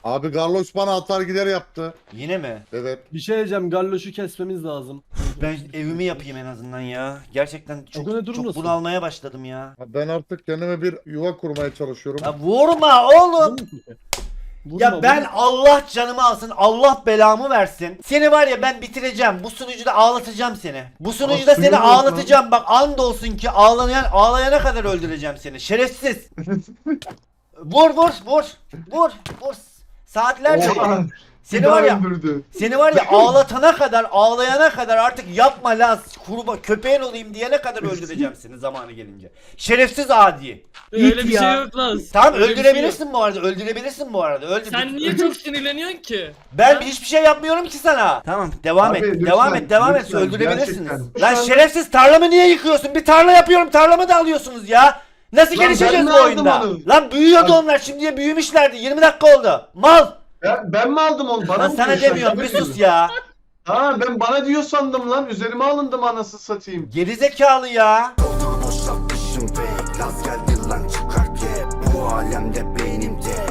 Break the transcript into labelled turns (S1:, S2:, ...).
S1: Abi Garloş bana atar gider yaptı.
S2: Yine mi?
S1: Evet.
S3: Bir şey diyeceğim, Garloş'u kesmemiz lazım.
S2: Ben evimi yapayım en azından ya. Gerçekten çok,
S3: kadar
S2: çok
S3: durmasın.
S2: bunalmaya başladım ya.
S1: Ben artık kendime bir yuva kurmaya çalışıyorum.
S2: Ya vurma oğlum.
S3: Vurma,
S2: Ya ben
S3: vurma.
S2: Allah canımı alsın, Allah belamı versin. Seni var ya ben bitireceğim. Bu sunucuda ağlatacağım seni. Bu sunucuda
S1: suyu
S2: seni
S1: yok
S2: ağlatacağım. Bak andolsun ki ağlayana kadar öldüreceğim seni. Şerefsiz. Vur vur vur. Vur vur. Saatlerce.
S4: Oha.
S2: Seni var ya
S4: öldürdü.
S2: Seni var ya ağlayana kadar artık yapma Laz, kurba köpeğin olayım diyene kadar öldüreceğim seni zamanı gelince. Şerefsiz adi.
S5: Öyle bir
S3: ya.
S5: şey yok lan.
S2: Tamam
S5: Öyle bir şey
S2: öldürebilirsin bu arada. Öldürebilirsin bu arada.
S5: yok. Sen niye çok sinirleniyorsun ki?
S2: Ben
S5: Ha?
S2: hiçbir şey yapmıyorum ki sana. Tamam devam
S4: Abi,
S2: et.
S4: lütfen,
S2: Devam et. Devam et.
S4: lütfen,
S2: Öldürebilirsiniz.
S4: gerçekten.
S2: Lan
S4: Şu an-
S2: şerefsiz tarlamı niye yıkıyorsun? Bir tarla yapıyorum. Tarlamı da alıyorsunuz ya. Nasıl
S4: Lan ben
S2: gelişeceğiz
S4: mi
S2: bu
S4: aldım
S2: oyunda?
S4: onu?
S2: Lan büyüyordu
S4: Lan-
S2: onlar. Şimdiye büyümüşlerdi. 20 dakika oldu. Mal.
S4: Ben mi aldım onu? Bana
S2: Lan
S4: mı
S2: sana
S4: diyorsun?
S2: demiyorum. Bir
S4: Ben mi
S2: sus
S4: diyorum?
S2: ya.
S4: Ha ben bana diyor sandım lan. Üzerime alındım anasını satayım.
S2: Gerizekalı ya.
S6: Boşaltmışım pek Laz geldi lan çıkar kep Bu alemde beynimde